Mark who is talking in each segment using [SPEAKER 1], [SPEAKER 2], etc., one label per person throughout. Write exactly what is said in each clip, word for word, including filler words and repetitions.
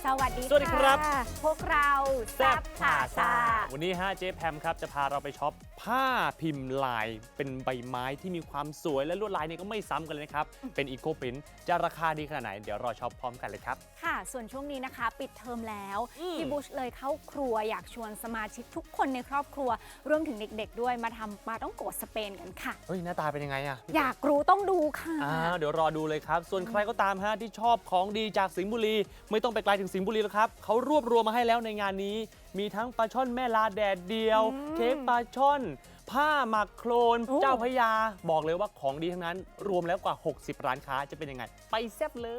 [SPEAKER 1] สวัสดี
[SPEAKER 2] สวัสดีครับ
[SPEAKER 1] พวกเราแซ่บพาซา
[SPEAKER 2] วันนี้ฮะเจ๊แพมครับจะพาเราไปช็อปผ้าพิมพ์ลายเป็นใบไม้ที่มีความสวยและลวดลายเนี่ยก็ไม่ซ้ำกันเลยนะครับเป็นอีโคปรินท์จะราคาดีขนาดไหนเดี๋ยวรอช็อปพร้อมกันเลยครับ
[SPEAKER 1] ค่ะส่วนช่วงนี้นะคะปิดเทอมแล้ว
[SPEAKER 2] อืม
[SPEAKER 1] พี่บุชเลยเข้าครัวอยากชวนสมาชิกทุกคนในครอบครัวรวมถึงเด็กๆด้วยมาทำปลาต้องโกะสเปนกันค่ะ
[SPEAKER 2] เฮ้ยหน้าตาเป็นยังไงอะ
[SPEAKER 1] อยากรู้ต้องดูค่ะ
[SPEAKER 2] อ่าเดี๋ยวรอดูเลยครับ ส่วนใครก็ตามฮะที่ชอบของดีจากสิงห์บุรี ไม่ต้องไปไกลถึงสิงห์บุรีแล้วครับเขารวบรวมมาให้แล้วในงานนี้ มีทั้งปลาช่อนแม่ลาแดดเดียว
[SPEAKER 1] อืม
[SPEAKER 2] เค้กปลาช่อน ผ้าหมักโครน
[SPEAKER 1] โอ้
[SPEAKER 2] เจ้าพระยา บอกเลยว่าของดีทั้งนั้น รวมแล้วกว่า หกสิบ ร้านค้าจะเป็นยังไง ไปแซ่บเลย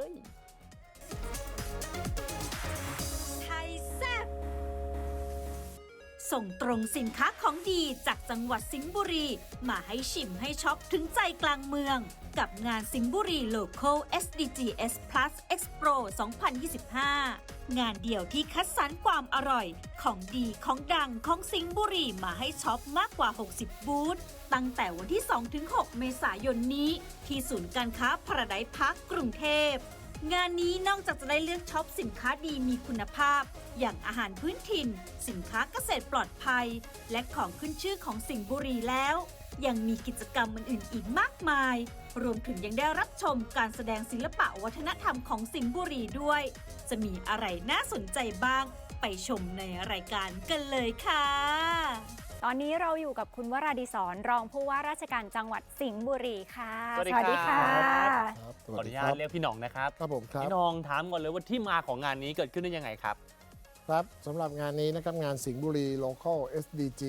[SPEAKER 3] ไทยแซ่บส่งตรงสินค้าของดีจากจังหวัดสิงห์บุรี มาให้ชิมให้ช็อปถึงใจกลางเมือง กับงานสิงห์บุรี Local เอส ดี จี เอส Plus Expo สองพันยี่สิบห้า งานเดี่ยวที่คัดสรรความอร่อย ของดีของดังของสิงห์บุรีมาให้ช็อปมากกว่า หกสิบ บูธตั้งแต่วันที่ สองถึงหก เมษายนนี้ ที่ศูนย์การค้าพาราไดซ์พาร์คกรุงเทพ งานนี้นอกจากจะได้เลือกช็อปสินค้าดีมีคุณภาพ อย่างอาหารพื้นถิ่น สินค้าเกษตรปลอดภัย และของขึ้นชื่อของสิงห์บุรีแล้ว ยังมีกิจกรรมอื่นๆอีกมากมาย รวมถึงยังได้รับชมการแสดงศิลปะวัฒนธรรมของสิงห์บุรีด้วย จะมีอะไรน่าสนใจบ้าง ไปชมในรายการกันเลยค่ะ
[SPEAKER 1] ตอนนี้เราอยู่กับคุณวราดิศรรองผู้ว่าราชการจังหวัดสิงห์บุรีค่ะ
[SPEAKER 2] สวัสดีครับ
[SPEAKER 4] ครับ
[SPEAKER 2] ขออนุญาตเรียกพี่หน้องนะครับ
[SPEAKER 4] ครับผมครับ
[SPEAKER 2] พี่หน้องถามก่อนเลยว่าที่มาของงานนี้เกิดขึ้นได้ยังไงครับ
[SPEAKER 4] ครับสำหรับงานนี้นะครับงานสิงห์บุรี Local เอส ดี จี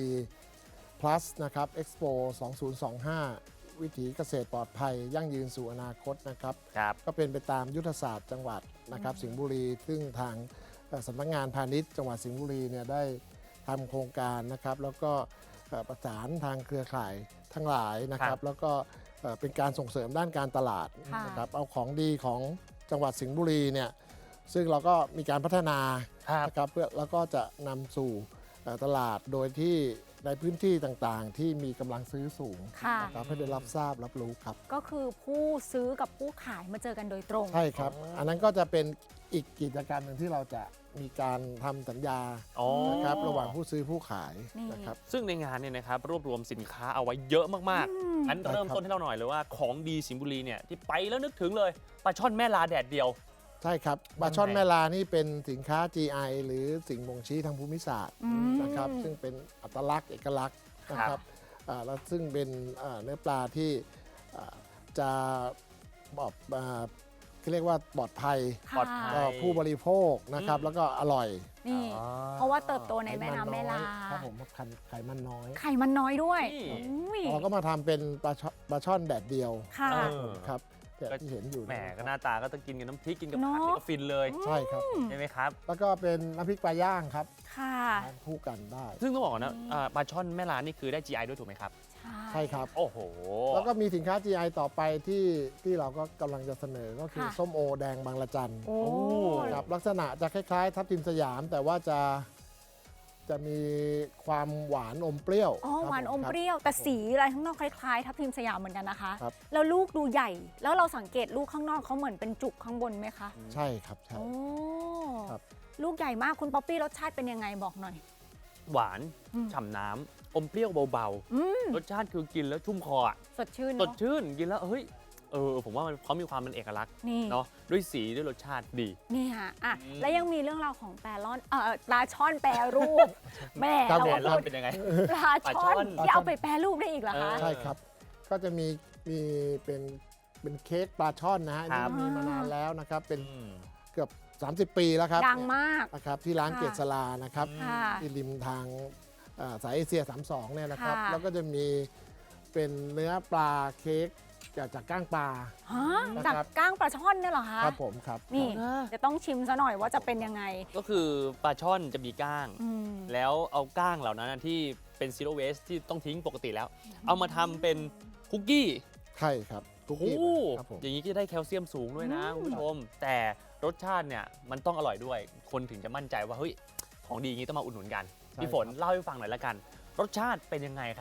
[SPEAKER 4] Plus นะครับ Expo สองพันยี่สิบห้า วิถีเกษตรปลอดภัย ยั่งยืนสู่อนาคตนะครับ
[SPEAKER 2] ครับ
[SPEAKER 4] ก็เป็นไปตามยุทธศาสตร์จังหวัดนะครับสิงห์บุรี ซึ่งทางเอ่อสำนักงานพาณิชย์จังหวัดสิงห์บุรีเนี่ยได้ทำโครงการนะครับ แล้วก็เอ่อประสานทางเครือข่ายทั้งหลายนะค
[SPEAKER 2] ครั
[SPEAKER 4] รับบ แล้วก็เอ่อเป็นการส่งเสริมด้านการตลาด
[SPEAKER 1] ค่ะ
[SPEAKER 4] นะครับเอาของดีของจังหวัดสิงห์บุรีเนี่ยซึ่งเราก็มีการพัฒนา
[SPEAKER 2] ครับ
[SPEAKER 4] นะครับเพื่อแล้วก็จะนำสู่เอ่อตลาดโดยที่ในพื้นที่ต่างๆ ที่มีกำลังซื้อสูง
[SPEAKER 1] ค่ะ
[SPEAKER 4] นะครับให้ได้รับทราบรับรู้ครับ
[SPEAKER 1] ก็คือผู้ซื้อกับผู้ขายมาเจอกันโดยตรง
[SPEAKER 4] ใช่ครับ อันนั้นก็จะเป็นอีกกิจกรรมหนึ่งที่เราจะมีการทำสัญญา
[SPEAKER 2] อ๋อ
[SPEAKER 4] นะครับระหว่างผู้ซื้อผู้ขาย
[SPEAKER 1] นี่
[SPEAKER 4] นะครับ
[SPEAKER 2] ซึ่งในงานเนี่ยนะครับรวบรวมสินค้าเอาไว้เยอะมาก
[SPEAKER 1] อืม
[SPEAKER 2] ๆงั้นเริ่มต้นให้เราหน่อยเลยว่าของดีสิงห์บุรีเนี่ยที่ไปแล้วนึกถึงเลยปลาช่อนแม่ลาแดดเดียว
[SPEAKER 4] ใช่ครับปลาช่อนแม่ลานี่เป็นสินค้า จี ไอ หรือสิ่งบ่งชี้ทางภูมิศาสตร์
[SPEAKER 1] อืม
[SPEAKER 4] นะครับซึ่งเป็นอัตลักษณ์เอกลักษณ์นะค
[SPEAKER 2] ครั
[SPEAKER 4] รับบ อ่าแล้วซึ่งเป็นอ่าเนื้อปลาที่อ่าจะบอกอ่าเขาเรียกว่าปลอดภัย
[SPEAKER 1] ค่ะ
[SPEAKER 2] ปลอดภัย
[SPEAKER 4] ต่อผู้บริโภคนะครับ
[SPEAKER 2] อืม
[SPEAKER 4] แล้วก็อร่อย
[SPEAKER 1] นี่
[SPEAKER 2] อ๋อ
[SPEAKER 1] เพราะว่าเติบโตในแม่น้ำแม่ลา
[SPEAKER 4] ไขมันน้อยครับผมไขไขมันน้อย
[SPEAKER 1] ไข่มันน้อยด้วย
[SPEAKER 2] นี่
[SPEAKER 1] อุ้ย
[SPEAKER 4] เราก็มาทำเป็นปลาช่อนปลาช่อนแดดเดียว
[SPEAKER 1] ค่ะ
[SPEAKER 2] เออ
[SPEAKER 4] ครับแบบที่เห็นอยู่
[SPEAKER 2] แหม
[SPEAKER 4] เย
[SPEAKER 2] ก็หน้าตาก็ต้องกินกับน้ำพริกกินกับ
[SPEAKER 1] เนอะ
[SPEAKER 2] ผักนี่ก็ฟินเลย
[SPEAKER 4] ใช่ครับ
[SPEAKER 2] ใช่ไหมครับ
[SPEAKER 4] แล้วก็เป็นน้ำพริกปลาย่างครับ
[SPEAKER 1] ค่ะ
[SPEAKER 4] ทานคู่กันได้
[SPEAKER 2] ซึ่งต้องบอกก่อนนะอ่าปลาช่อนแม่ลานี่คือได้ จี ไอ ด้วยถูกไหมครับ
[SPEAKER 4] ใช่ครับ
[SPEAKER 2] โอ้โห
[SPEAKER 4] แล้วก็มีสินค้า จี ไอ ต่อไปที่ที่เราก็กำลังจะเสนอก็คือ
[SPEAKER 1] ค่ะ
[SPEAKER 4] ส้มโอแดงบางละจัน
[SPEAKER 1] โอ้
[SPEAKER 4] ครับลักษณะจะคล้ายๆ ทับทิมสยาม แต่ว่าจะจะมีความหวานอมเปรี้ยว
[SPEAKER 1] อ๋อ
[SPEAKER 4] ครับ
[SPEAKER 1] หวานอม
[SPEAKER 4] ครับ
[SPEAKER 1] เปรี้ยว แต่สีอะไรข้างนอกคล้ายๆ ทับทิมสยามเหมือนกันนะคะ
[SPEAKER 4] ครับ
[SPEAKER 1] แล้วลูกดูใหญ่ แล้วเราสังเกตลูกข้างนอกเขาเหมือนเป็นจุกข้างบนไหมคะ
[SPEAKER 4] ใช่ครับใช่
[SPEAKER 1] โอ้
[SPEAKER 4] ครับ
[SPEAKER 1] ลูกใหญ่มากคุณป๊อปปี้รสชาติเป็นยังไงบอกหน่อย
[SPEAKER 2] หวาน
[SPEAKER 1] อืม
[SPEAKER 2] ฉ่ำน้ำอมเปรี้ยวเบา
[SPEAKER 1] อืม
[SPEAKER 2] ๆ รสชาติคือกินแล้วชุ่มคออะ
[SPEAKER 1] สดชื่น
[SPEAKER 2] ส
[SPEAKER 1] เน
[SPEAKER 2] ด
[SPEAKER 1] อะ
[SPEAKER 2] ชื่นกินแล้วเฮ้ยเออผมว่ามันเขามีความเป็นเอกลักษณ์
[SPEAKER 1] นี่
[SPEAKER 2] เนาะด้วยสีด้วยรสชาติดี
[SPEAKER 1] นี่ค่ะอ่ะ
[SPEAKER 2] อืม
[SPEAKER 1] แล้วยังมีเรื่องราวของแปรร่อนเอ่อปลาช่อนแปรรูป แม่
[SPEAKER 4] ครับ
[SPEAKER 1] เรา
[SPEAKER 2] แด
[SPEAKER 1] ก็
[SPEAKER 2] ดร้อ
[SPEAKER 1] พู
[SPEAKER 2] น
[SPEAKER 1] ด
[SPEAKER 2] เป็นยังไง
[SPEAKER 1] ปลา
[SPEAKER 2] ปลาช่
[SPEAKER 1] ช่อ
[SPEAKER 2] อน น
[SPEAKER 1] ที่เอาไปแปรรูปได้อีกเหรอคะ
[SPEAKER 2] เออ
[SPEAKER 4] ใช่ครับ ก็จะมีมีเป็นเป็นเค้กปลาช่อนนะฮะ
[SPEAKER 2] ครับ
[SPEAKER 4] ที่มีมานานแล้วนะครับ เป็น
[SPEAKER 2] อืม
[SPEAKER 4] เกือบ สามสิบ ปีแล้วครับ
[SPEAKER 1] ดังมาก
[SPEAKER 4] นะครับที่ร้าน
[SPEAKER 1] ค่ะ
[SPEAKER 4] เกษรานะครับ
[SPEAKER 1] ค่ะ
[SPEAKER 4] ที่ริมทางอ่าสายเอเชีย สามสิบสอง เนี่ยนะครับ
[SPEAKER 1] ค่ะ
[SPEAKER 4] แล้วก็จะมีเป็นเนื้อปลาเค้กจากจากก้างปลา
[SPEAKER 1] ฮะ
[SPEAKER 4] นะครับ
[SPEAKER 1] จากก้างปลาช่อนเนี่ยเหรอคะ
[SPEAKER 4] ครับผมครับ
[SPEAKER 1] นี่
[SPEAKER 2] อ่า
[SPEAKER 1] จะต้องชิมซะหน่อยว่าจะเป็นยังไง
[SPEAKER 2] ก็คือปลาช่อนจะมีก้าง
[SPEAKER 1] อืม
[SPEAKER 2] แล้วเอาก้างเหล่านั้นนะที่เป็นซีโร่เวสที่ต้องทิ้งปกติแล้ว เอามาทำเป็นคุกกี้
[SPEAKER 4] ใช่ครับคุก
[SPEAKER 2] โอ้
[SPEAKER 4] กี้
[SPEAKER 2] โห
[SPEAKER 4] ครับผม
[SPEAKER 2] อย่างนี้ก็ได้แคลเซียมสูงด้วยนะ
[SPEAKER 1] อืม
[SPEAKER 2] คุณผู้ชม แต่รสชาติเนี่ยมันต้องอร่อยด้วย คนถึงจะมั่นใจว่าเฮ้ยของดีอย่างนี้ต้องมาอุดหนุนกัน
[SPEAKER 4] ใช่
[SPEAKER 2] พี่ฝน
[SPEAKER 4] ครับ
[SPEAKER 2] เล่าให้ฟังหน่อยละกัน รสชาติเป็นยังไงครับ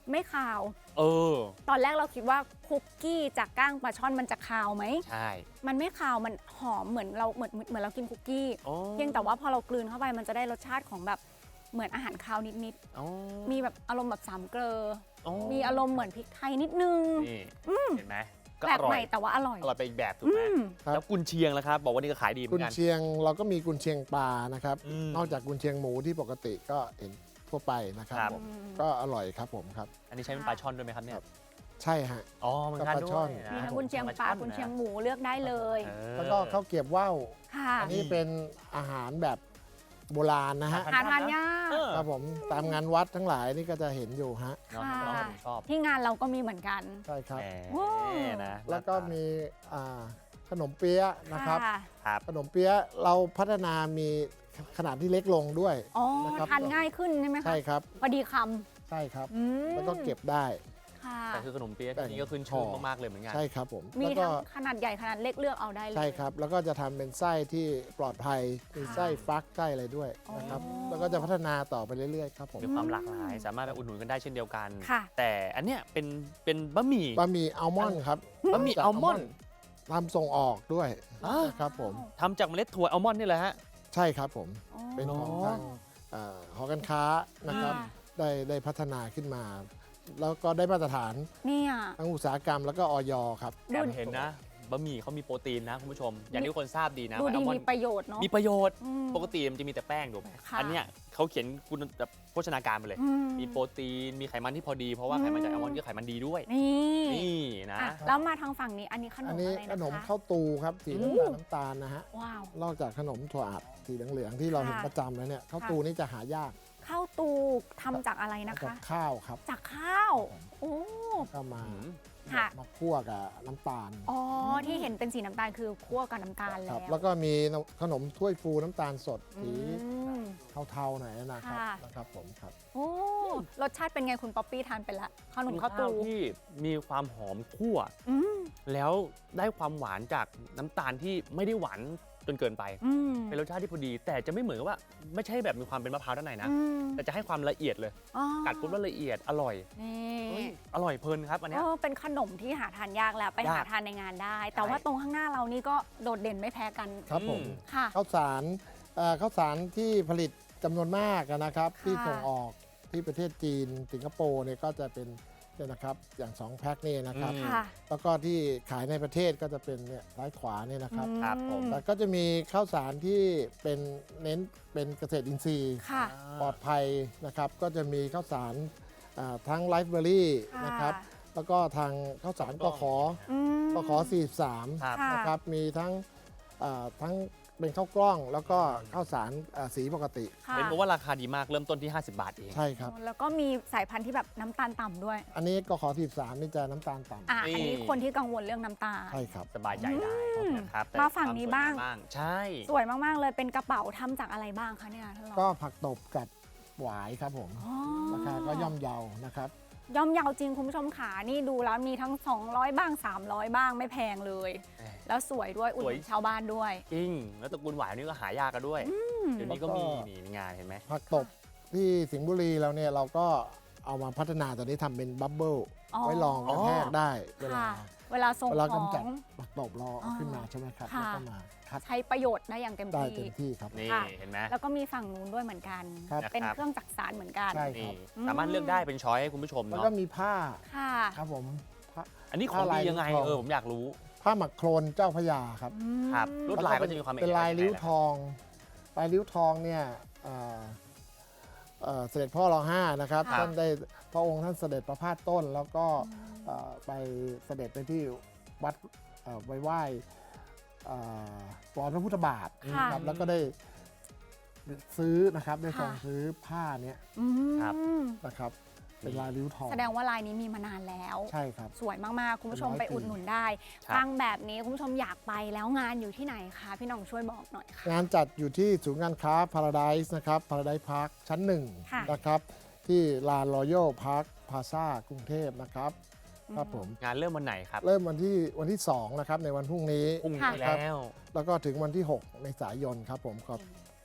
[SPEAKER 1] ไม่คาว
[SPEAKER 2] เออ
[SPEAKER 1] ตอนแรกเราคิดว่าคุกกี้จากก้างปลาช่อนมันจะคาวไหม
[SPEAKER 2] ใช่
[SPEAKER 1] มันไม่คาวมันหอมเหมือนเราเหมือนเหมือนเรากินคุกกี้
[SPEAKER 2] อ๋อ
[SPEAKER 1] เพียงแต่ว่าพอเรากลืนเข้าไปมันจะได้รสชาติของแบบเหมือนอาหารคาวนิด
[SPEAKER 2] อ๋อ
[SPEAKER 1] ๆมีแบบอารมณ์แบบสามเกลอ
[SPEAKER 2] อ๋อ
[SPEAKER 1] มีอารมณ์เหมือนพริกไทยนิดนึง
[SPEAKER 2] นี่เห็นไหมก็
[SPEAKER 1] แปล
[SPEAKER 2] อก ร่อ
[SPEAKER 1] ให
[SPEAKER 2] ย
[SPEAKER 1] ม่แต่ว่าอร่อย
[SPEAKER 2] อร่อยไปอีกแบบถูก
[SPEAKER 1] อื
[SPEAKER 2] ไหม
[SPEAKER 1] ม
[SPEAKER 4] ครับ
[SPEAKER 2] แล้วกุนเชียงล่ะครับ บอกว่านี่ก็ขายดีเหมื
[SPEAKER 4] กุ
[SPEAKER 2] อน
[SPEAKER 4] น
[SPEAKER 2] กัน
[SPEAKER 4] เชียงเราก็มีกุนเชียงปลานะครับ
[SPEAKER 2] อืม
[SPEAKER 4] นอกจากกุนเชียงหมูที่ปกติก็เห็นทั่วไปนะครับ
[SPEAKER 2] ครับ
[SPEAKER 4] ผมก็อร่อยครับผมครับ
[SPEAKER 2] อันนี้ใช้เป็นปลาช่อนด้วยไหมครับเนี่ย
[SPEAKER 4] ใช่ฮะ
[SPEAKER 2] อ๋อเหมือนกัน
[SPEAKER 4] ก็ปลา
[SPEAKER 2] ด้
[SPEAKER 4] ช่
[SPEAKER 2] ว
[SPEAKER 4] อย น
[SPEAKER 2] นะ
[SPEAKER 1] มีทั้งกุนเชียงปลากุนเชียงหมูเลือกได้เลย
[SPEAKER 2] เออ
[SPEAKER 4] แล้วก็ข้าวเกรียบว่าว
[SPEAKER 1] ค่ะ
[SPEAKER 4] อันนี้เป็นอาหารแบบโบราณนะฮะ
[SPEAKER 1] หาทานยาก
[SPEAKER 2] เออ
[SPEAKER 4] ครับผมตามงานวัดทั้งหลายนี่ก็จะเห็นอยู่ฮะ
[SPEAKER 2] เนาะ
[SPEAKER 1] ค่ะ
[SPEAKER 2] น้องผมชอบ
[SPEAKER 1] ที่งานเราก็มีเหมือนกัน
[SPEAKER 4] ใช่ครับ
[SPEAKER 2] แห
[SPEAKER 1] โอ้
[SPEAKER 2] มนะ
[SPEAKER 4] แล้วก็มีอ่าขนมเปี๊ยะนะครับ
[SPEAKER 1] ค่ะ
[SPEAKER 2] ครับ
[SPEAKER 4] ขนมเปี๊ยะเราพัฒนามีขนาดที่เล็กลงด้วย
[SPEAKER 1] อ๋อ
[SPEAKER 4] นะครับ
[SPEAKER 1] ทานง่ายขึ้นใช่ไหมคะ
[SPEAKER 4] ใช่ครับ
[SPEAKER 1] พอดีค
[SPEAKER 4] ใช่ครับ
[SPEAKER 1] ำอืม
[SPEAKER 4] แล้วก็เก็บได้
[SPEAKER 1] ค่ะ
[SPEAKER 2] แต่คือขนมเปี๊ยะที่นี่ก็ขึ้นชื่อมากๆเลยเหมือนกัน
[SPEAKER 4] ใช่ครับผม
[SPEAKER 1] มี
[SPEAKER 4] แล้วก็
[SPEAKER 1] ทั้งขนาดใหญ่ขนาดเล็กเลือกเอาได้เลย
[SPEAKER 4] ใช่ครับ แล้วก็จะทำเป็นไส้ที่ปลอดภัยมี
[SPEAKER 1] ค่ะ
[SPEAKER 4] ไส้ฟักไส้อะไรด้วยนะครับ
[SPEAKER 1] อ๋อ
[SPEAKER 4] แล้วก็จะพัฒนาต่อไปเรื่อยๆครับผม
[SPEAKER 2] มีความหลากหลาย สามารถไปอุดหนุนกันได้เช่นเดียวกัน
[SPEAKER 1] ค่ะ
[SPEAKER 2] แต่อันเนี้ยเป็นเป็นบะหมี่
[SPEAKER 4] บะหมี่อัลมอนด์ครับ
[SPEAKER 2] บะหมี่อัลมอนด์
[SPEAKER 4] ทำส่งออกด้วย
[SPEAKER 2] อ่า
[SPEAKER 4] นะครับผม
[SPEAKER 2] ทำจากเมล็ดถั่วอัลมอนด์นี่แหละฮะ
[SPEAKER 4] ใช่ครับผม
[SPEAKER 1] อ๋อ
[SPEAKER 4] เป็นของ
[SPEAKER 2] อ๋อ
[SPEAKER 4] ทางเอ่อหอการค้านะครับ
[SPEAKER 1] ค่ะ
[SPEAKER 4] ได้ได้พัฒนาขึ้นมา แล้วก็ได้มาตรฐาน
[SPEAKER 1] เนี่ย
[SPEAKER 4] ทั้งอุตสาหกรรมแล้วก็ออยครับ
[SPEAKER 2] แอบเห็นนะบะหมี่เขามีโปรตีนนะคุณผู้ชม อย่างที่ทุกคนทราบดีนะ
[SPEAKER 1] ดู
[SPEAKER 2] ว่า
[SPEAKER 1] ดี
[SPEAKER 2] อัลมอน
[SPEAKER 1] มี
[SPEAKER 2] ด์
[SPEAKER 1] ประโยชน์เนาะ
[SPEAKER 2] มีประโยชน์
[SPEAKER 1] อืม
[SPEAKER 2] ปกติมันจะมีแต่แป้งถูกไหม
[SPEAKER 1] ค่ะ
[SPEAKER 2] อันเนี้ยเขาเขียนคุณแบบโภชนาการไปเลย
[SPEAKER 1] อื
[SPEAKER 2] มีโปรตีน มีไขมันที่พอดี เพราะว่าไขมันจากอัลมอนด์ก็ไขมันดีด้วย
[SPEAKER 1] นี่
[SPEAKER 2] นี่นะ
[SPEAKER 1] อ่ะแล้วมาทางฝั่งนี้อันนี้ขน
[SPEAKER 4] อัน
[SPEAKER 1] ม
[SPEAKER 4] นี้
[SPEAKER 1] อะไร
[SPEAKER 4] ขนม
[SPEAKER 1] นะคะ
[SPEAKER 4] ข้าวตูครับสี
[SPEAKER 1] อู้
[SPEAKER 4] น้ำตาลน้ำตาลนะฮะ
[SPEAKER 1] ว้าว
[SPEAKER 4] นอกจากขนมถั่วอัดสีเหลืองๆที่เราเห็น
[SPEAKER 1] ค่ะ
[SPEAKER 4] ประจำแล้วเนี่ยข้าว
[SPEAKER 1] ค่ะ
[SPEAKER 4] ตูนี่จะหายาก
[SPEAKER 1] ข้าวตูทำจากอะไรนะ
[SPEAKER 4] กับ
[SPEAKER 1] คะ
[SPEAKER 4] ข้าวครับ
[SPEAKER 1] จากข้าว โอ้
[SPEAKER 4] ก็มา
[SPEAKER 2] อืม
[SPEAKER 1] ค่ะ
[SPEAKER 4] มาคั่วกับน้ำตาล
[SPEAKER 1] อ๋อที่เห็นเป็นสีน้ำตาลคือคั่วกับน้ำตาล
[SPEAKER 4] ค
[SPEAKER 1] แล้
[SPEAKER 4] รั
[SPEAKER 1] ว
[SPEAKER 4] บแล้วก็มีขนมถ้วยฟูน้ำตาลสด
[SPEAKER 1] อื
[SPEAKER 4] สี
[SPEAKER 1] ม
[SPEAKER 4] เทาๆหน่อยนะครับ
[SPEAKER 1] ค่ะ
[SPEAKER 4] นะครับผมครับ
[SPEAKER 1] โอ้รสชาติเป็นไงคุณป๊อปปี้ทานไปละขนมข้าวตู
[SPEAKER 2] ที่มีความหอมคั่ว
[SPEAKER 1] อืม
[SPEAKER 2] แล้วได้ความหวานจากน้ำตาลที่ไม่ได้หวานจนเกินไป
[SPEAKER 1] อืม
[SPEAKER 2] เป็นรสชาติที่พอดี แต่จะไม่เหมือนกับว่าไม่ใช่แบบมีความเป็นมะพร้าวด้านในนะ
[SPEAKER 1] อืม
[SPEAKER 2] แต่จะให้ความละเอียดเลย
[SPEAKER 1] อ๋อ
[SPEAKER 2] กัดปุ๊บแล้วละเอียดอร่อย
[SPEAKER 1] นี่
[SPEAKER 2] เฮ้ยอร่อยเพลินครับอันเนี้
[SPEAKER 1] เอย อเป็นขนมที่หาทานยากแล้วไปหาย
[SPEAKER 2] าก
[SPEAKER 1] ทานในงานได้ แต่
[SPEAKER 2] ใช่
[SPEAKER 1] ว่าตรงข้างหน้าเรานี่ก็โดดเด่นไม่แพ้กัน
[SPEAKER 4] ครับผม
[SPEAKER 2] อืม
[SPEAKER 1] ค่ะ
[SPEAKER 4] ข้าวสารเอ่อข้าวสารที่ผลิตจำนวนมากนะครับ
[SPEAKER 1] ค่ะ
[SPEAKER 4] ที่ส่งออกที่ประเทศจีนสิงคโปร์เนี่ยก็จะเป็นเนี่ยนะครับอย่างสองแพ็คนี่นะครับ
[SPEAKER 2] อืม
[SPEAKER 1] ค่ะ
[SPEAKER 4] แล้วก็ที่ขายในประเทศก็จะเป็นเนี่ยซ้ายขวาเนี่ยนะครับ
[SPEAKER 2] ครับผม
[SPEAKER 4] แต่ก็จะมีข้าวสารที่เป็นเน้นเป็นเกษตรอินทรีย์
[SPEAKER 1] ค่ะ
[SPEAKER 4] ปลอดภัยนะครับ ก็จะมีข้าวสารอ่าทั้งไลฟ์เบอรี่
[SPEAKER 1] ค่ะ
[SPEAKER 4] นะครับ แล้วก็ทางข้าวสารกขอ
[SPEAKER 1] อืม
[SPEAKER 4] กขอสี่สิบสาม
[SPEAKER 2] ครับ
[SPEAKER 1] ค่ะ
[SPEAKER 4] นะครับมีทั้งอ่าทั้งเป็นข้าวกล้องแล้วก็ข้าวสารอ่าสีปกติ
[SPEAKER 1] ค่ะ
[SPEAKER 2] เป็นเพราะว่าราคาดีมากเริ่มต้นที่ ห้าสิบบาทเอง
[SPEAKER 4] ใช่ครับ
[SPEAKER 1] แล้วก็มีสายพันธุ์ที่แบบน้ำตาลต่ำด้วย
[SPEAKER 4] อันนี้กขอสี่สิบสามนี่จะน้ำตาลต่ำ
[SPEAKER 1] อ่ะอันนี้คนที่กังวลเรื่องน้ำตาล
[SPEAKER 4] ใช่ครับ
[SPEAKER 2] สบายใจได้นะครับแต่
[SPEAKER 1] มาฝั่งนี้บ้าง
[SPEAKER 2] ควสวยมใช่
[SPEAKER 1] สวยมาก ๆ เลยเป็นกระเป๋าทำจากอะไรบ้างคะเนี่ยท่านรอง
[SPEAKER 4] ก็ผักตบกับหวายครับผม
[SPEAKER 1] อ๋อ
[SPEAKER 4] ราคาก็ย่อมเยานะครับ
[SPEAKER 1] ย่อมเยาวจริงคุณผู้ชมขานี่ดูแล้วมีทั้ง สองร้อย บ้าง สามร้อย บ้างไม่แพงเลย
[SPEAKER 2] เอ้ย
[SPEAKER 1] แล้วสวยด้วยอุ่น
[SPEAKER 2] สวย
[SPEAKER 1] หนุนชาวบ้านด้วย
[SPEAKER 2] จริง แล้วตระกูลหวายนี่ก็หายากกันด้วย เดี๋ยวนี้ก็มี
[SPEAKER 4] แล้วก็
[SPEAKER 2] นี่ในงานเห็นไหม
[SPEAKER 4] ผักตบที่สิงห์บุรีเราเนี่ยเราก็เอามาพัฒนาตอนนี้ทำเป็นบับเบิ้ล
[SPEAKER 1] อ๋อ
[SPEAKER 4] ไว้รองกระแทกได้เวลา
[SPEAKER 1] ค่ะ เวลาส่ง
[SPEAKER 4] เวลา
[SPEAKER 1] ของ
[SPEAKER 4] กำจัดผักตบเราเอาขึ้นมาใช่ไหมครับ
[SPEAKER 1] ค่ะ
[SPEAKER 4] แล้วก็มาคัด
[SPEAKER 1] ใช้ประโยชน์ได้อย่างเต็ม
[SPEAKER 4] ได้
[SPEAKER 1] ที่
[SPEAKER 4] เต็มที่ครับ
[SPEAKER 2] นี่
[SPEAKER 1] ค่ะ
[SPEAKER 2] เห็นไหม
[SPEAKER 1] แล้วก็มีฝั่งนู้นด้วยเหมือนกัน
[SPEAKER 4] ครับ
[SPEAKER 1] เป็น
[SPEAKER 2] นะครับ
[SPEAKER 1] เครื่องจักสานเหมือนกัน
[SPEAKER 4] ใช่ค
[SPEAKER 2] นี่
[SPEAKER 4] รับ
[SPEAKER 1] อืม
[SPEAKER 2] สามารถเลือกได้เป็นช้อยให้คุณผู้ชม
[SPEAKER 4] แล้ว
[SPEAKER 2] เนาะ
[SPEAKER 4] ก็มีผ้า
[SPEAKER 1] ค่ะ
[SPEAKER 4] ครับผมผ้า
[SPEAKER 2] อันนี้ของ
[SPEAKER 4] ผ้าลาย
[SPEAKER 2] ดียังไง
[SPEAKER 4] ทอง
[SPEAKER 2] เออผมอยากรู้
[SPEAKER 4] ผ้าหมักโครนเจ้าพระยาครับ
[SPEAKER 1] อืม
[SPEAKER 2] ครับลวดลายก็จะมีความ
[SPEAKER 4] เป็นลาย
[SPEAKER 2] อกลักษณ์
[SPEAKER 4] ริ้ว
[SPEAKER 2] ยังไง
[SPEAKER 4] ทอง ลายริ้วทองเนี่ยเอ่อเอ่อเสด็จพ่อรอห้านะครับ
[SPEAKER 1] ค่ะ
[SPEAKER 4] ท่านได้พระองค์ท่านเสด็จประพาสต้น แล้วก็เอ่อไปเสด็จไปที่วัดเอ่อไปไหว้เอ่อรอยพระพุทธบาท
[SPEAKER 1] ค่ะ
[SPEAKER 4] นะครับแล้วก็ได้ซื้อนะครับได้
[SPEAKER 1] ค่ะ
[SPEAKER 4] ส่งซื้อผ้าเนี้ย
[SPEAKER 1] อืม
[SPEAKER 2] ครับ
[SPEAKER 4] นะครับเป็นลายริ้วทอง
[SPEAKER 1] แสดงว่าลายนี้มีมานานแล้ว
[SPEAKER 4] ใช่ครับ
[SPEAKER 1] สวยมาก ๆ คุณผู้ชม
[SPEAKER 4] เป็นร้อย
[SPEAKER 1] ไปอุดหนุนได้
[SPEAKER 2] ครับ
[SPEAKER 1] ฟังแบบนี้คุณผู้ชมอยากไปแล้วงานอยู่ที่ไหนคะพี่หน้องช่วยบอกหน่อยค่ะ
[SPEAKER 4] งานจัดอยู่ที่ศูนย์การค้า Paradise นะครับ Paradise Park ชั้นหนึ่ง
[SPEAKER 1] ค่ะ
[SPEAKER 4] นะครับ ที่ลาน Royal Park Plaza กรุงเทพนะครับ ครับผม
[SPEAKER 2] งานเริ่มวันไหนครับ
[SPEAKER 4] เริ่มวันที่วันที่สองนะครับในวันพรุ่งนี้
[SPEAKER 2] พรุ่งนี้
[SPEAKER 1] ค่ะ
[SPEAKER 2] แล้ว
[SPEAKER 4] แล้วก็ถึงวันที่ หกเมษายนครับผมครับ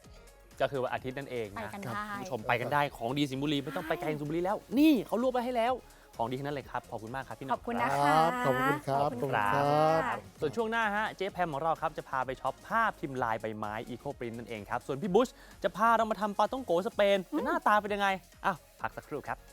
[SPEAKER 2] ก็คือวันอาทิตย์นั่นเอง
[SPEAKER 1] ไป
[SPEAKER 2] นะ
[SPEAKER 1] กัน
[SPEAKER 2] ครับ
[SPEAKER 1] ได้
[SPEAKER 2] คุณผู้ชมไปกันได้ของดีสิงห์บุรีไม่ต้องไปไกลถึงสิงห์บุรีแล้ว นี่เขารวบไว้ให้แล้วของดีทั้งนั้นเลยครับขอบคุณมากครับพี่ห
[SPEAKER 1] ข
[SPEAKER 2] น้
[SPEAKER 1] อ
[SPEAKER 2] อบ ง
[SPEAKER 1] คุณ
[SPEAKER 2] รั
[SPEAKER 1] นะ
[SPEAKER 2] บ
[SPEAKER 1] คะ
[SPEAKER 4] ขอบคุณครับ
[SPEAKER 1] ขอบคุณ
[SPEAKER 4] ขอบคุณ
[SPEAKER 1] ค่ะ
[SPEAKER 4] ครับ
[SPEAKER 2] ส่วนช่วงหน้าฮะเจ๊แพมของเราครับจะพาไปช็อปผ้าพิมพ์ลายใบไม้อีโคปรินนั่นเองครับส่วนพี่บุชจะพาเรามาทำปาต้องโกสเปนหน้าตาเป็นยังไงอ้าวพักสักครู่ครับ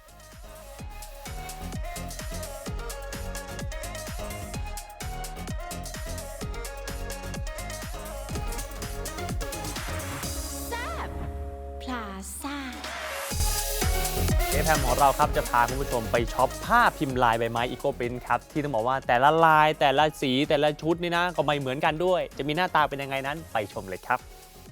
[SPEAKER 1] พลาซ่า
[SPEAKER 2] เจ๊แพมของเราครับจะพาคุณผู้ชมไปช็อปผ้าพิมพ์ลายใบไม้อีโคปรินครับที่ต้องบอกว่าแต่ละลายแต่ละสีแต่ละชุดนี่นะก็ไม่เหมือนกันด้วย จะมีหน้าตาเป็นยังไงนั้นไปชมเลยครับ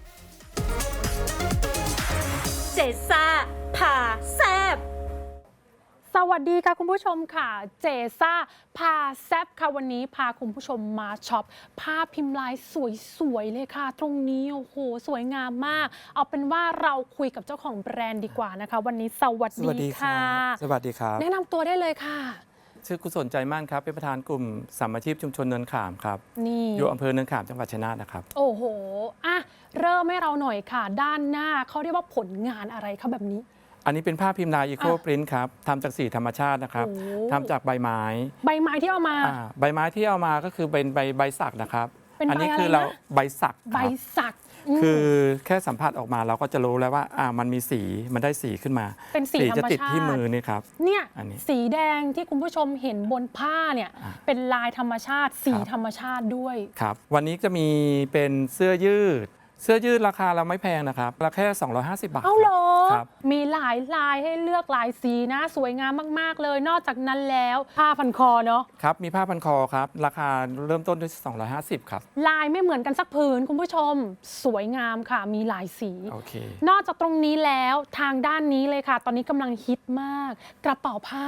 [SPEAKER 3] เจซ่าพาแซบ
[SPEAKER 5] สวัสดีค่ะคุณผู้ชมค่ะเจซ่าพาแซบค่ะวันนี้พาคุณผู้ชมมาช็อปผ้าพิมพ์ลายสวยๆเลยค่ะ ตรงนี้โอ้โหสวยงามมาก เอาเป็นว่าเราคุยกับเจ้าของแบรนด์ดีกว่านะคะ วันนี้สวัส
[SPEAKER 6] สวัส
[SPEAKER 5] ดี
[SPEAKER 6] ดีครั
[SPEAKER 5] ค่ะ
[SPEAKER 6] บ สวัสดีครับ
[SPEAKER 5] แนะนำตัวได้เลยค่ะ
[SPEAKER 6] ชื่อกุศลใจมั่นครับ เป็นประธานกลุ่มสามัคคีชุมชนเนินขามครับ
[SPEAKER 5] นี่
[SPEAKER 6] อยู่อำเภอเนินขามจังหวัดชัยนาทนะครับ
[SPEAKER 5] โอ้โหอ่ะเริ่มให้เราหน่อยค่ะ ด้านหน้าเขาเรียกว่าผลงานอะไรคะแบบนี้
[SPEAKER 6] อันนี้เป็นผ้าพิมพ์ลายอีโค
[SPEAKER 5] อ่ะ
[SPEAKER 6] ปรินท์ครับทำจากสีธรรมชาตินะครับ
[SPEAKER 5] โอ้
[SPEAKER 6] ทำจากใบไม้
[SPEAKER 5] ใบไม้ที่เอามา
[SPEAKER 6] อ่าใบไม้ที่เอามาก็คือเป็นใบใบสักนะครับ
[SPEAKER 5] เป็นใบ
[SPEAKER 6] นี้คื
[SPEAKER 5] อะไรนะ
[SPEAKER 6] เราใบสัก
[SPEAKER 5] ใบ
[SPEAKER 6] ครับ
[SPEAKER 5] สักม
[SPEAKER 6] คือแค่สัมผัสออกมาเราก็จะรู้แล้วว่าอ่ามันมีสีมันได้สีขึ้นมา
[SPEAKER 5] เป็นสีธรรมชาติ
[SPEAKER 6] จะติดที่มือนี่ครับ
[SPEAKER 5] เนี่ย
[SPEAKER 6] อันนี้
[SPEAKER 5] สีแดงที่คุณผู้ชมเห็นบนผ้าเนี่ย
[SPEAKER 6] อ่ะ
[SPEAKER 5] เป็นลายธรรมชาติ สี
[SPEAKER 6] ครับ
[SPEAKER 5] ธรรมชาติด้วย
[SPEAKER 6] ครับวันนี้จะมีเป็นเสื้อยืด เสื้อยืดราคาเราไม่แพงนะครับราคาแค่สองร้อยห้าสิบบาท
[SPEAKER 5] เอาเหรอ
[SPEAKER 6] ครับ
[SPEAKER 5] มีหลายลายให้เลือกหลายสีนะ สวยงามมากๆเลย นอกจากนั้นแล้วผ้าพันคอเนาะ
[SPEAKER 6] ครับ มีผ้าพันคอครับ ราคาเริ่มต้นที่สองร้อยห้าสิบครับ
[SPEAKER 5] ลายไม่เหมือนกันสักผืนคุณผู้ชม สวยงามค่ะ มีหลายสี
[SPEAKER 6] โอเค
[SPEAKER 5] นอกจากตรงนี้แล้วทางด้านนี้เลยค่ะ ตอนนี้กำลังฮิตมาก กระเป๋าผ้าก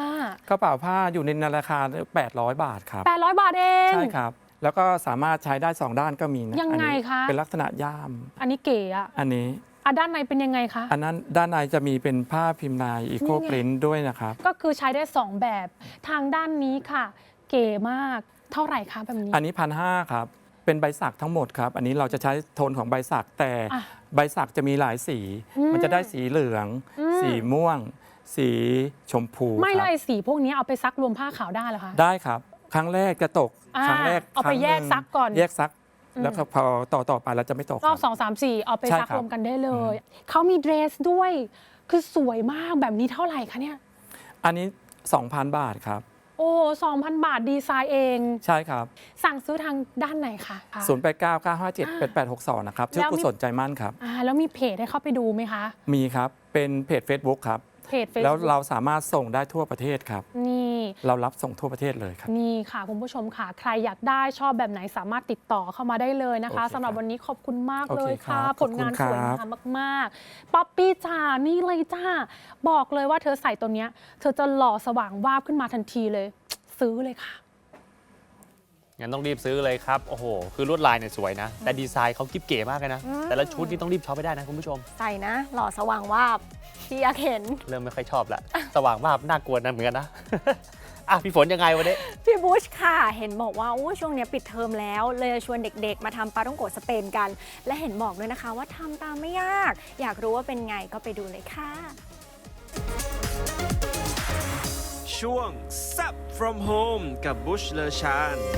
[SPEAKER 6] ระเป๋าผ้าอยู่ในราคาแปดร้อยบาทครับ
[SPEAKER 5] แปดร้อยบาทเอง
[SPEAKER 6] ใช่ครับ แล้วก็สามารถใช้ได้สองด้านก็มีนะ
[SPEAKER 5] ยังไง
[SPEAKER 6] อันนี้
[SPEAKER 5] คะ
[SPEAKER 6] เป็นลักษณะย่าม
[SPEAKER 5] อันนี้เก๋อะ
[SPEAKER 6] อันนี้
[SPEAKER 5] อ่ะด้านในเป็นยังไงคะ
[SPEAKER 6] อันนั้นด้านในจะมีเป็นผ้าพิมพ์ลายอีโค
[SPEAKER 5] นี่ไง
[SPEAKER 6] ปรินท์ด้วยนะครับ
[SPEAKER 5] ก็คือใช้ได้ สอง แบบ ทางด้านนี้ค่ะ เก๋มาก เท่าไหร่คะแบบนี้
[SPEAKER 6] อันนี้พันห้าครับ เป็นใบสักทั้งหมดครับ อันนี้เราจะใช้โทนของใบสักแต่
[SPEAKER 5] อ่ะ
[SPEAKER 6] ใบสักจะมีหลายสี
[SPEAKER 5] อืม
[SPEAKER 6] มันจะได้สีเหลือง
[SPEAKER 5] อืม
[SPEAKER 6] สีม่วง สีชมพู
[SPEAKER 5] ไม่
[SPEAKER 6] ค
[SPEAKER 5] เล
[SPEAKER 6] รับ
[SPEAKER 5] ยสีพวกนี้เอาไปซักรวมผ้าขาวได้เหรอคะ
[SPEAKER 6] ได้ครับ ครั้งแรกจะตก
[SPEAKER 5] อ่า
[SPEAKER 6] ครั้งแรก
[SPEAKER 5] เอาไป
[SPEAKER 6] ครั้ง
[SPEAKER 5] แยก
[SPEAKER 6] หนึ่ง
[SPEAKER 5] ซักก่อน
[SPEAKER 6] แยกซัก
[SPEAKER 5] อืม
[SPEAKER 6] แล้วก็พอต่อต่อไปเราจะไม่ตก
[SPEAKER 5] รอบ
[SPEAKER 6] ค
[SPEAKER 5] ส
[SPEAKER 6] รั
[SPEAKER 5] องสามสี่เอาไป
[SPEAKER 6] ใช่
[SPEAKER 5] ซัก
[SPEAKER 6] ครับ
[SPEAKER 5] รวมกันได้เลย เขามีเดรสด้วย คือสวยมากแบบนี้เท่าไหร่คะเนี่ย
[SPEAKER 6] อันนี้ สองพัน บาทครับ
[SPEAKER 5] โอ้สองพันบาทดีไซน์เอง
[SPEAKER 6] ใช่ครับ
[SPEAKER 5] สั่งซื้อทางด้านไหนคะ
[SPEAKER 6] ศูนย์ แปด เก้า เก้า ห้า เจ็ด แปด แปด หก สอง นะครับ ชื่อ
[SPEAKER 5] แล้วมี
[SPEAKER 6] กุศลใจมั่นครับ
[SPEAKER 5] อ่าแล้วมีเพจให้เข้าไปดูไหมคะ
[SPEAKER 6] มีครับ เป็นเพจ Facebook ครับ
[SPEAKER 5] เพจเฟซ
[SPEAKER 6] แล้ว
[SPEAKER 5] บุ๊ก
[SPEAKER 6] เราสามารถส่งได้ทั่วประเทศครับ
[SPEAKER 5] นี่
[SPEAKER 6] เรารับส่งทั่วประเทศเลยครับ
[SPEAKER 5] นี่ค่ะคุณผู้ชมค่ะ ใครอยากได้ชอบแบบไหนสามารถติดต่อเข้ามาได้เลยนะคะ
[SPEAKER 6] โอเค
[SPEAKER 5] สำหรับ
[SPEAKER 6] ครับ
[SPEAKER 5] วันนี้ขอบคุณมาก
[SPEAKER 6] โอเค
[SPEAKER 5] เลยค่ะ
[SPEAKER 6] ครับ
[SPEAKER 5] ผลงาน
[SPEAKER 6] ขอบ
[SPEAKER 5] ส
[SPEAKER 6] คุณ
[SPEAKER 5] วย
[SPEAKER 6] ครับ
[SPEAKER 5] งามมากๆป๊อปปี้จ้านี่เลยจ้า บอกเลยว่าเธอใส่ตัวเนี้ย เธอจะหล่อสว่างวาบขึ้นมาทันทีเลย ซื้อเลยค่ะ
[SPEAKER 2] งั้นต้องรีบซื้อเลยครับ โอ้โห คือลวดลายเนี่ยสวยนะ แต่ดีไซน์เขากิ๊บเก๋มากเลยนะ
[SPEAKER 1] อืม
[SPEAKER 2] แต่ละชุดนี่ต้องรีบช็อปไปได้นะคุณผู้ชม
[SPEAKER 1] ใส่นะ หล่อสว่างวาบที่อยากเห็น
[SPEAKER 2] เริ่มไม่ค่อยชอบละ สว่างมากน่ากลัวนะเหมือนกันนะ อ่ะพี่ฝนยังไงวันนี้
[SPEAKER 1] พี่บุชค่ะ เห็นบอกว่าอู้ช่วงเนี้ยปิดเทอมแล้ว เลยชวนเด็กๆ มาทำปาต้องโกะสเปนกัน และเห็นบอกด้วยนะคะว่าทำตามไม่ยาก อยากรู้ว่าเป็นไงก็ไปดูเลยค่ะ
[SPEAKER 7] ช่วง Zap from Home กับบุชเลอชาน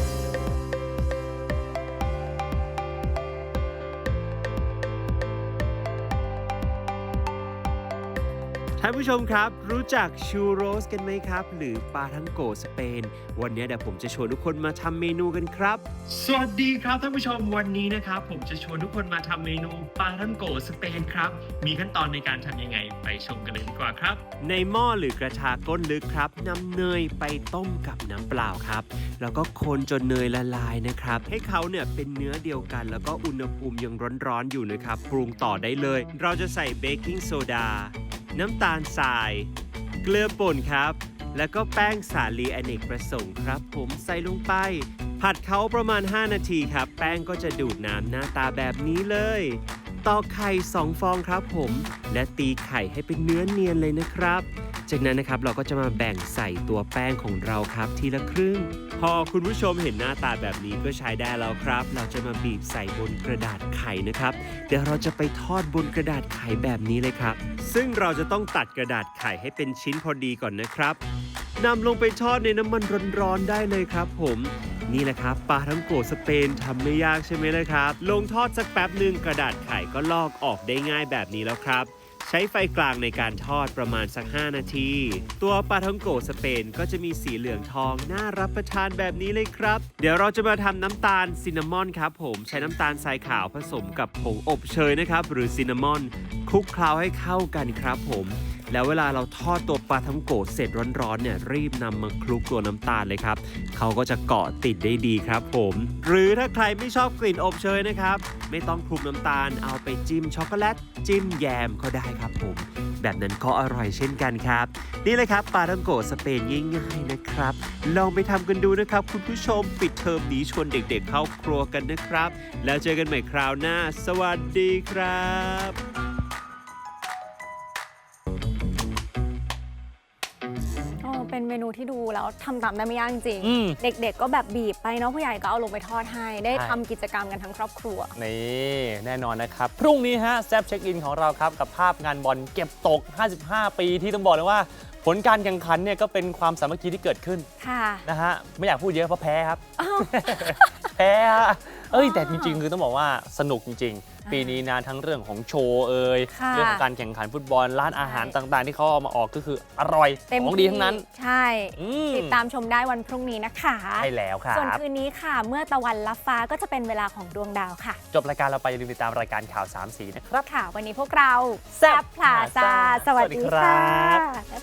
[SPEAKER 7] ท่านผู้ชมครับ รู้จักชูโรสกันไหมครับ หรือปาทังโกสเปน วันนี้เดี๋ยวผมจะชวนทุกคนมาทำเมนูกันครับ สวัสดีครับท่านผู้ชมวันนี้นะครับ ผมจะชวนทุกคนมาทำเมนูปาทังโกสเปนครับ มีขั้นตอนในการทำยังไงไปชมกันเลยดีกว่าครับ ในหม้อหรือกระทะก้นลึกครับนำเนยไปต้มกับน้ำเปล่าครับ แล้วก็คนจนเนยละลายนะครับ ให้เขาเนี่ยเป็นเนื้อเดียวกัน แล้วก็อุณหภูมิยังร้อนๆอยู่นะครับปรุงต่อได้เลย เราจะใส่เบกกิ้งโซดาน้ำตาลทราย เกลือป่นครับ แล้วก็แป้งสาลีอเนกประสงค์ครับ ผมใส่ลงไป ผัดเขาประมาณห้านาทีครับ แป้งก็จะดูดน้ำหน้าตาแบบนี้เลยตอกไข่สองฟองครับผม และตีไข่ให้เป็นเนื้อเนียนเลยนะครับจากนั้นนะครับเราก็จะมาแบ่งใส่ตัวแป้งของเราครับทีละครึ่ง พอคุณผู้ชมเห็นหน้าตาแบบนี้ก็ใช้ได้แล้วครับ เราจะมาบีบใส่บนกระดาษไข่นะครับ เดี๋ยวเราจะไปทอดบนกระดาษไข่แบบนี้เลยครับ ซึ่งเราจะต้องตัดกระดาษไข่ให้เป็นชิ้นพอดีก่อนนะครับนำลงไปทอดในน้ำมันร้อนๆได้เลยครับผมนี่แหละครับปลาท่องโกสเปนทำไม่ยากใช่ไหมล่ะครับลงทอดสักแป๊บหนึ่งกระดาษไข่ก็ลอกออกได้ง่ายแบบนี้แล้วครับใช้ไฟกลางในการทอดประมาณสักห้านาทีตัวปลาท่องโกสเปนก็จะมีสีเหลืองทองน่ารับประทานแบบนี้เลยครับเดี๋ยวเราจะมาทำน้ำตาลซินนามอนครับผมใช้น้ำตาลทรายขาวผสมกับผงอบเชยนะครับหรือซินนามอนคลุกเคล้าให้เข้ากันครับผมแล้วเวลาเราทอดตัวปลาท่องโกเสร็จร้อนๆเนี่ยรีบนำมาคลุกตัวน้ำตาลเลยครับเขาก็จะเกาะติดได้ดีครับผมหรือถ้าใครไม่ชอบกลิ่นอบเชยนะครับไม่ต้องคลุกน้ำตาลเอาไปจิ้มช็อกโกแลตจิ้มแยมก็ได้ครับผมแบบนั้นก็อร่อยเช่นกันครับนี่เลยครับปลาท่องโกสเปนง่ายๆนะครับลองไปทำกันดูนะครับคุณผู้ชมปิดเทอมนี้ชวนเด็กๆเข้าครัวกันนะครับแล้วเจอกันใหม่คราวหน้าสวัสดีครับ
[SPEAKER 1] เป็นเมนูที่ดูแล้วทำตามได้ไม่ยากจริง
[SPEAKER 2] อืม
[SPEAKER 1] เด็กๆก็แบบบีบไปเนาะผู้ใหญ่ก็เอาลงไปทอดให้ได้
[SPEAKER 2] ใช่
[SPEAKER 1] ทำกิจกรรมกันทั้งครอบครัว
[SPEAKER 2] นี่แน่นอนนะครับ พรุ่งนี้ฮะแซฟเช็คอินของเราครับ กับภาพงานบอลเก็บตก ห้าสิบห้า ปีที่ต้องบอกเลยว่า ผลการแข่งขันเนี่ยก็เป็นความสามัคคีที่เกิดขึ้น
[SPEAKER 1] ค่ะ
[SPEAKER 2] นะฮะไม่อยากพูดเยอะเพราะแพ้ครับ
[SPEAKER 1] อ้าว
[SPEAKER 2] แพ้ฮะเอ้ยแต่จริงๆ คือต้องบอกว่าสนุกจริง ๆ ปีนี้นะทั้งเรื่องของโชว์เอ่ย
[SPEAKER 1] ค่ะ
[SPEAKER 2] เรื่องของการแข่งขันฟุตบอลร้านอาหารต่างๆ ที่เขาเอามาออกก็คืออร่อย
[SPEAKER 1] เต็ม
[SPEAKER 2] ของดีทั้งนั้น
[SPEAKER 1] ที่ใช่
[SPEAKER 2] อืม
[SPEAKER 1] ติดตามชมได้วันพรุ่งนี้นะคะ
[SPEAKER 2] ใช่แล้วครั
[SPEAKER 1] ส่วน
[SPEAKER 2] บ
[SPEAKER 1] คืนนี้ค่ะ เมื่อตะวันลับฟ้าก็จะเป็นเวลาของดวงดาวค่ะ
[SPEAKER 2] จบรายการเราไปอย่าลืมติดตามรายการข่าวสามสีนะครับ
[SPEAKER 1] ค่ะ วันนี้พวกเรา
[SPEAKER 2] แซ่บ
[SPEAKER 1] พลาซา
[SPEAKER 2] พลาซ่า
[SPEAKER 1] สวัสดี
[SPEAKER 2] สวัสดีครั
[SPEAKER 1] ค่ะ
[SPEAKER 2] บ